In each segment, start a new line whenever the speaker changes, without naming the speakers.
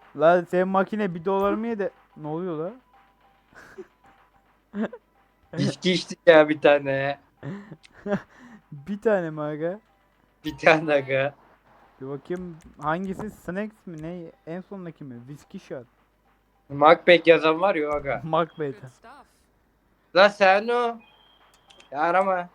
Lan senin makine 1 dolar mı yedi? Ne oluyor la?
İçki içtik ya bir tane.
Bir tane mi aga?
Bir tane aga.
Bir bakayım hangisi Snacks mi ne? En sondaki mi? Whiskey Shot.
Macbeth yazan var ya aga.
Macbeth.
La sen o. Ya arama.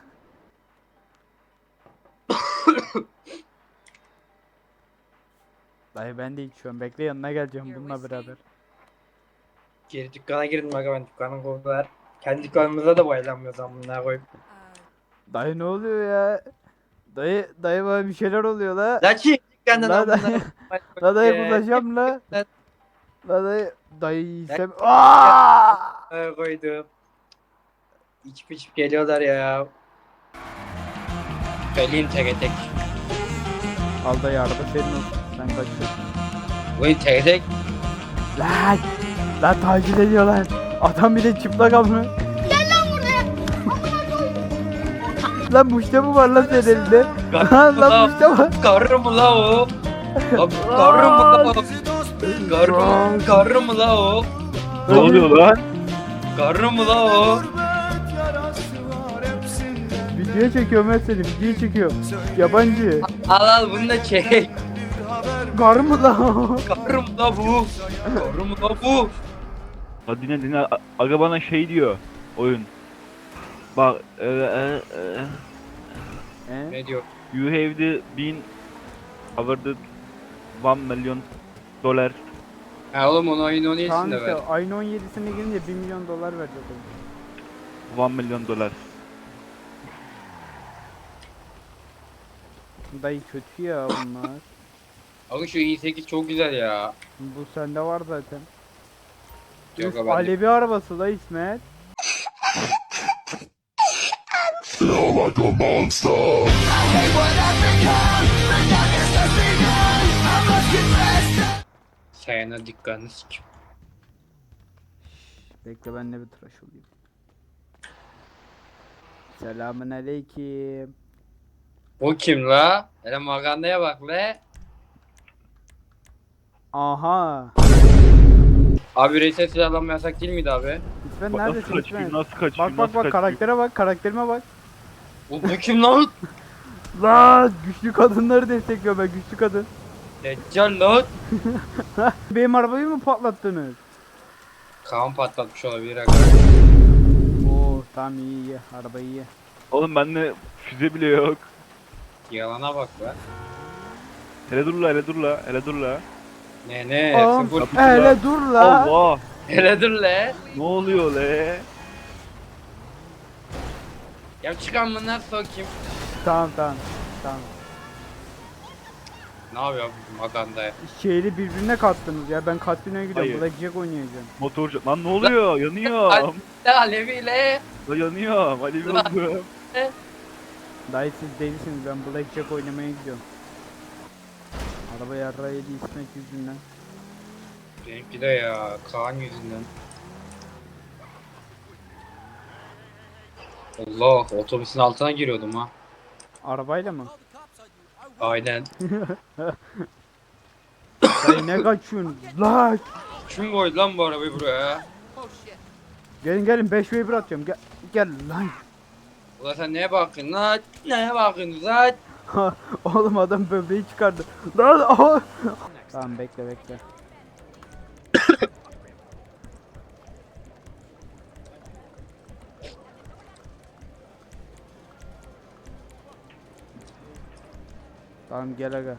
Dayı ben de içiyorum. Bekle yanına geleceğim bununla beraber.
Geri dükkana girdim aga, ben dükkanın kovdular. Kendi dükkanımıza da bayılamıyoruz amına koyup.
Dayı ne oluyor ya? Dayı bana bir şeyler oluyor la.
La çık dükkandan
La
amına
dayı.
koyup.
La dayı
Ya.
kusacağım la.
Lan
La dayı. Dayı
Ya.
istem. Aaaa!
koydum. İçip içip geliyorlar ya. Söyleyeyim tek tek.
Al dayı araba senin olsun. Sen kaçıyorsun.
Bugün tek tek.
Lan! Lan taciz ediyorlar. Adam bir de çıplak amına. Lan muşta mı var lan senin elinde? Lan muşta var.
Karı mı la o? Lan karı mı la o? Karı mı la o?
Ne oluyor lan?
Karı mı la o?
Video çekiyorum ben seni. Video çekiyorum. Yabancı.
Al al bunu da çek.
Gar mı lan?
Karı mı la bu? Karı mı la bu?
Hadi dinle. Aga bana şey diyor oyun. Bak
He?
Ne diyor?
you have the been awarded 1 milyon dolar.
Ha oğlum onu oyun
Tamam
oynayasın
işte
ver.
ayın 17'sine girince 1 milyon dolar verecek oyun.
1 milyon dolar.
Dayı kötü ya bunlar.
Abi şu i8 çok güzel ya.
Bu sende var zaten.
Yok
Üf,
abi.
Alevi arabası da İsmet.
Sayana dükkanını sikim.
Bekle ben de bir tıraş olayım. Selamun aleyküm.
O kim la? Hele magandaya bak le.
Aha.
Abi reset silahlanma yasak değil miydi abi?
İsmet
Bak nasıl
neredesin
kaçıyor,
İsmet?
nasıl kaçıyor,
Bak bak
nasıl
bak
kaçıyor.
karaktere bak karakterime bak.
O bu kim lan?
Lan güçlü kadınları destekliyor ben güçlü kadın.
Deccal lan.
Benim arabayı mı patlattınız?
Kaan patlatmış olabilir aga.
Oo tamam iyi araba iyi.
Oğlum bende füze bile yok.
Yalana bak be.
Hele dur la, hele dur la, hele dur la.
Ne
Oğlum
sıfır.
hele dur la.
Allah!
Hele dur le.
Ne oluyor le?
Ya çıkan bunlar sokayım.
Tamam tamam tamam.
Ne yapıyor bu magandaya?
Şehri birbirine kattınız ya ben kasinoya gidiyorum
Hayır.
Blackjack oynayacağım.
Motorcu. Lan ne oluyor? Yanıyorum.
Le Alevi le.
La yanıyorum. Hadi bir oldum.
Dayı siz delisiniz ben Blackjack oynamaya gidiyorum. Araba yarrağı yedi İsmet yüzünden.
Benimki de ya Kaan yüzünden. Allah, otobüsün altına giriyordum ha.
Arabayla mı?
Aynen.
Dayı ne kaçıyorsun? Lan!
Kim koydu lan bu arabayı buraya?
Gelin gelin 5v1 atacağım gel, gel lan.
Ulan sen neye bakıyorsun lan? Neye bakıyorsun lan?
Oğlum adam böbreği çıkardı. Lan oh! Tamam bekle bekle. Tamam gel aga.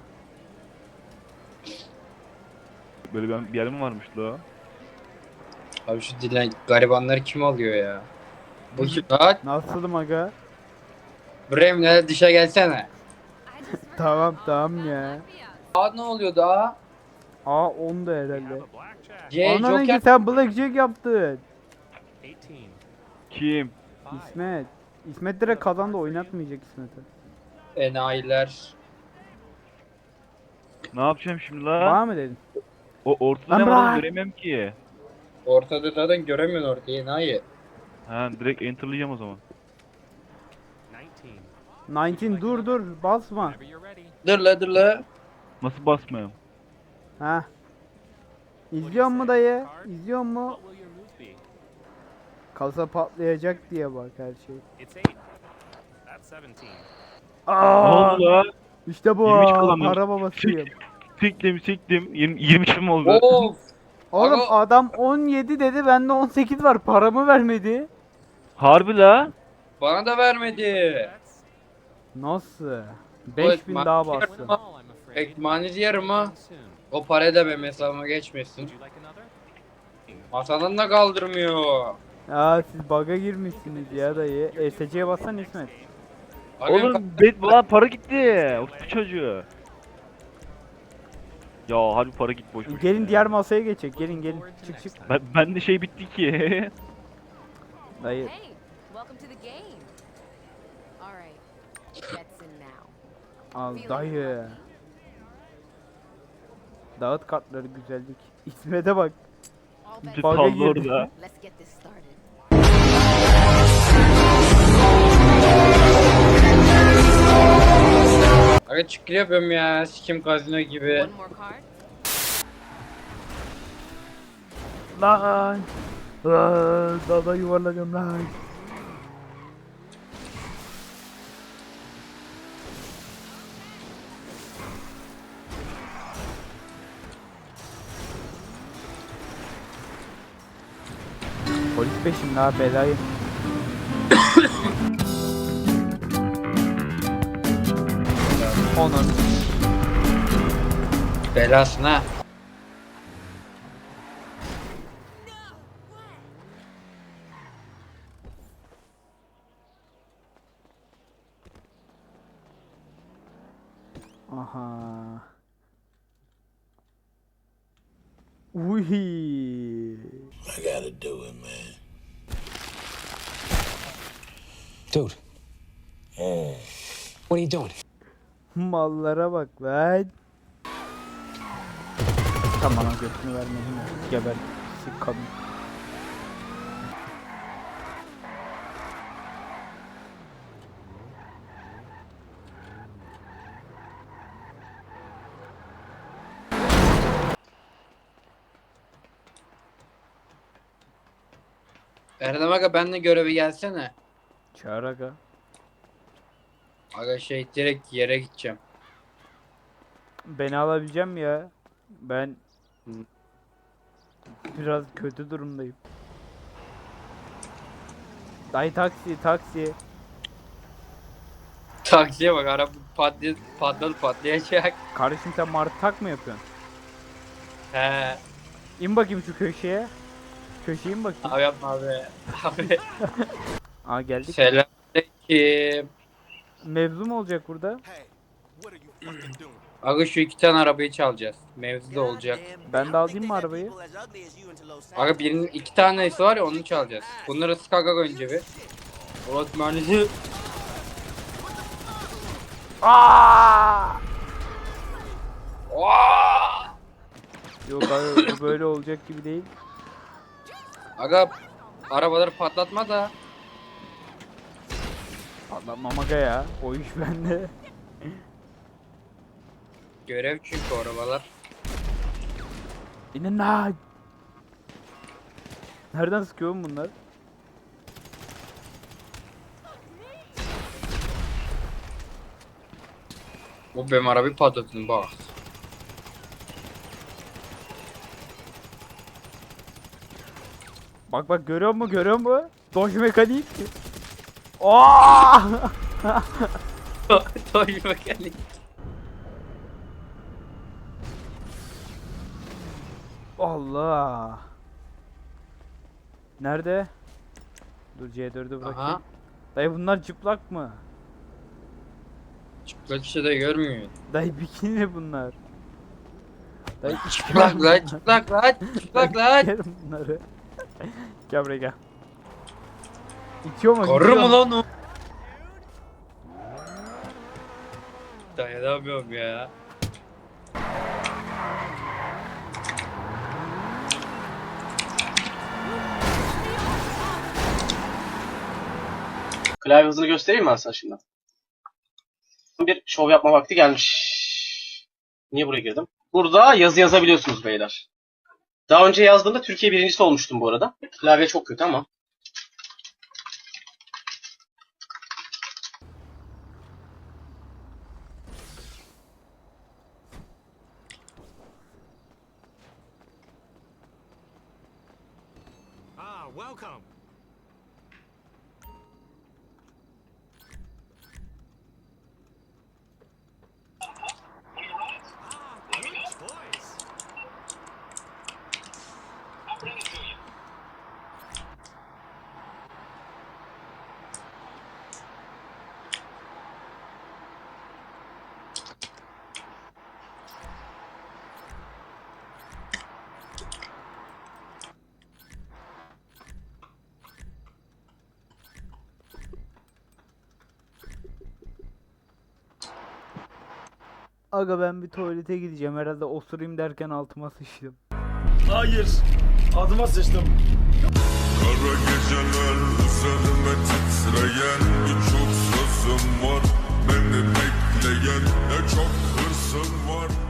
Böyle bir yer mi varmış la?
Abi şu dilen garibanları kim alıyor ya? Bu kim lan?
Nasılım aga?
Bremle dışa gelsene.
Tamam tamam ya.
Aa ne oluyor daha?
Aa 10 da herhalde.
Joker.
Ananı sen Blackjack yaptın.
Kim?
İsmet. İsmet direkt kazandı oynatmayacak İsmet'i.
Enayiler.
Ne yapacağım şimdi la?
Var mı dedin?
O ortada
Lan
ne var oğlum,
bırak.
göremiyorum ki.
Ortada zaten göremiyorsun ortayı enayi.
Ha direkt enterlayacağım o zaman.
19 dur basma.
Dur la dur la.
Nasıl basmayayım?
Ha İzliyor mu dayı? İzliyor mu? Kasa patlayacak diye bak her şey. Aa,
Allah.
işte bu
23 kullandım.
para babasıyım.
Siktim. 23'üm oldu.
Of.
Oğlum
Aga-
adam 17 dedi, bende 18 var. Paramı vermedi.
Harbi la.
Bana da vermedi.
Nasıl?
Bu
5000
ekmek-
daha bastı.
Ekmeğiniz yerim ha. O para da benim hesabıma geçmesin. Masadan da kaldırmıyor.
Ya siz bug'a girmişsiniz ya dayı. ESC'ye bassan İsmet.
Aga benim
Oğlum la para gitti. O çocuğu. Ya harbi para gitti boş boş.
Gelin diğer masaya geçecek. Gelin. Çık.
Ben de şey bitti ki.
Dayı.
Hey, welcome to the game. All right, that's in now.
Al
Feeling
dayı.
lucky?
Dağıt kartları güzellik. İsmet'e bak.
All
Bir
bets
Bug'a
tablo
girdi.
orada.
Let's get this started.
Aga çıkır yapıyorum ya. Sikim gazino gibi.
One more card.
Lan. Lan. Dada yuvarlanıyorum lan. Polis peşimde ha, belayı. Onun.
Belasına.
Aha. Uy.
I gotta do it, man.
Dude. What are you doing?
Mallara bak lan. Tamam, götünü vermedim ya. Geber. Sik kadın.
Erdem aga benle göreve gelsene.
Çağır aga.
Aga şey direkt yere gideceğim.
Beni alabileceğim ya. Ben biraz kötü durumdayım. Dayı taksi.
Taksiye bak araba patlayacak.
Kardeşim sen martı tak mı yapıyorsun?
He.
İn bakayım şu köşeye. Köşeye in bakayım.
Abi yapma abi. Abi.
Aa geldik.
Selamünaleyküm.
Mevzu mu olacak burada?
Aga şu iki tane arabayı çalacağız. Mevzu da olacak.
Ben de alayım mı arabayı?
Aga birinin iki tanesi var ya onu çalacağız. Bunları sık aga önce bir. Orası mühendisi.
Aa!
Aa!
Yok abi, bu böyle olacak gibi değil.
Aga arabaları patlatma da.
Patlatmam aga ya. O iş bende.
Görev çünkü o arabalar.
İnin lan. Nereden sıkıyor oğlum bunlar?
Bu benim arabayı patlatın bak.
Bak görüyor musun? Dodge mekanik. Aa!
Toy mekanik.
Allah. Nerede? Dur C4'ü bırakayım.
Aha.
Dayı bunlar çıplak mı?
Çıplak işte de görmüyor.
Dayı bikini bunlar. Dayı
Çıplak lan çıplak lan çıplak lan.
Yerim bunları. Gel buraya gel. İçiyor mu?
Korur mu lan o? Dayanamıyorum ya.
Klavye hızını göstereyim mi ben sana şimdi? Bir şov yapma vakti gelmiş. Niye buraya girdim? Burada yazı yazabiliyorsunuz beyler. Daha önce yazdığımda Türkiye birincisi olmuştum bu arada. Klavye çok kötü ama.
Ah, welcome. Ah, good choice.
Aga ben bir tuvalete gideceğim. Herhalde osurayım derken altıma sıçtım.
Hayır. Adıma sıçtım.
Kara geceler üzerime titreyen birçok sözüm var. Beni bekleyen ne çok hırsım var.